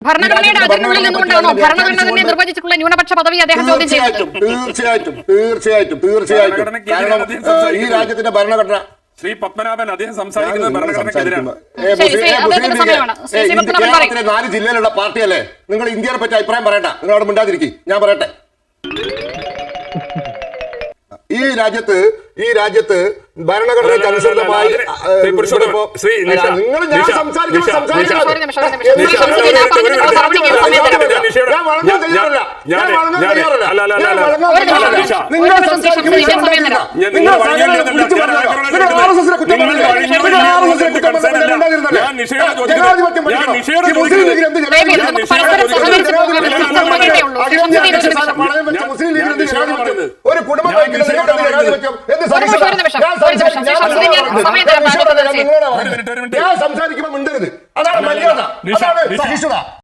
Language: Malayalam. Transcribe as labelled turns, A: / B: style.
A: ഭരണഘടനയുടെ അതിനുള്ളിൽ നിന്നുകൊണ്ടാണോ ഭരണഘടന നിർവചിച്ചിട്ടുള്ള ന്യൂനപക്ഷ പദവി അദ്ദേഹം ചോദ്യം ചെയ്യുന്നത്?
B: തീർച്ചയായിട്ടും. കാരണം ഈ രാജ്യത്തിന്റെ ഭരണഘടന
C: ശ്രീ പത്മനാഭൻ അദ്ദേഹം സംസാരിക്കുന്നത് ഭരണഘടനക്കെതിരാണ്.
B: കേരളത്തിലെ 4 ജില്ലയിലുള്ള പാർട്ടിയല്ലേ? നിങ്ങൾ ഇന്ത്യയെ പറ്റി അഭിപ്രായം പറയണ്ട, നിങ്ങൾ അവിടെ മിണ്ടാതിരിക്കും. ഞാൻ പറയട്ടെ, ഈ രാജ്യത്ത് ഭരണഘടനയ്ക്ക് അനുസൃതമായി ഒരു കുടുംബം ഞാൻ സംസാരിക്കുമ്പോൾ മിണ്ടരുത്. അതാണ് മര്യാദ, അതാണ് സഹിഷ്ണുത.